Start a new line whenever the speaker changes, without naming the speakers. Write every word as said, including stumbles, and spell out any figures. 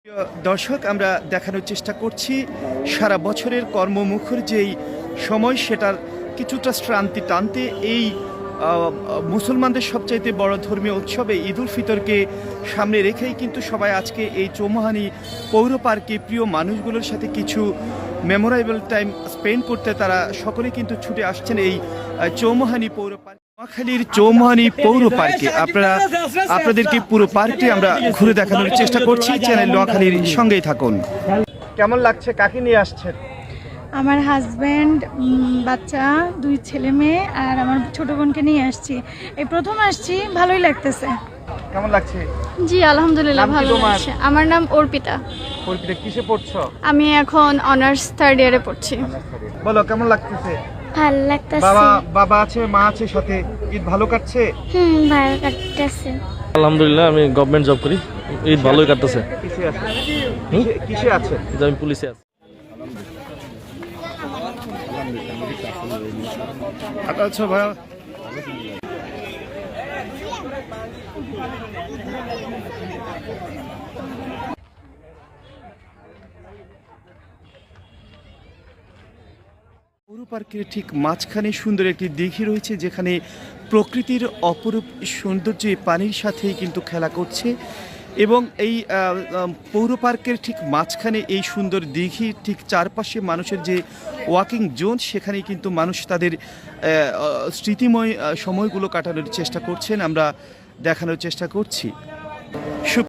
প্রিয় দর্শক, আমরা দেখানোর চেষ্টা করছি সারা বছরের কর্মমুখর যেই সময় সেটার কিছুটা শ্রান্তি টানতে এই আহ, মুসলমানদের সবচাইতে বড় ধর্মীয় উৎসবে ঈদ উল ফিতরকে সামনে রেখেই কিন্তু সবাই আজকে এই চৌমুহানি পৌর পার্কে প্রিয় মানুষগুলোর সাথে কিছু মেমোরেবল টাইম স্পেন্ড করতে তারা সকলে কিন্তু ছুটে আসছেন এই আহ, চৌমুহানি পৌর পার্ক। নোয়াখালীর চৌমুহানি পৌর পার্কে আপনারা আপনাদেরকে পুরো পার্কটি আমরা ঘুরে দেখানোর চেষ্টা করছি। চ্যানেল নোয়াখালীর সঙ্গেই থাকুন। কেমন লাগছে? কাকে নিয়ে আসছেন?
আমার হাজব্যান্ড, বাচ্চা, দুই ছেলে মেয়ে আর আমার ছোট বোনকে নিয়ে আসছি। এই প্রথম আসছি, ভালোই লাগতেছে।
কেমন লাগছে?
জি আলহামদুলিল্লাহ
নাম কি
ভালো
তোমার?
লাগছে। আমার নাম অর্পিতা।
পরিপিতা কিসে পড়ছো?
আমি এখন অনার্স থার্ড ইয়ারে পড়ছি।
বলো কেমন লাগতেছে?
ভালো লাগতেছে।
বাবা বাবা আছে, মা আছে সাথে, ঈদ ভালো কাটছে?
হুম, ভালো লাগতেছে।
আলহামদুলিল্লাহ, আমি গভর্নমেন্ট জব করি। ঈদ ভালোই কাটতেছে।
কিসে আছে? কিসে- কিসে আছে?
যে আমি পুলিশে আছি।
আচ্ছা ভাই, পৌর পার্কের ঠিক মাঝখানে সুন্দর একটি দিঘি রয়েছে, যেখানে প্রকৃতির অপরূপ সৌন্দর্য এই পানির সাথেই কিন্তু খেলা করছে। এবং এই আহ, আহ, পৌর পার্কের ঠিক মাঝখানে এই সুন্দর দিঘি, ঠিক চারপাশে মানুষের যে ওয়াকিং জোন, সেখানেই কিন্তু মানুষ তাদের আহ, আহ, স্মৃতিময় আহ, সময়গুলো কাটানোর চেষ্টা করছেন। আমরা দেখানোর চেষ্টা করছি।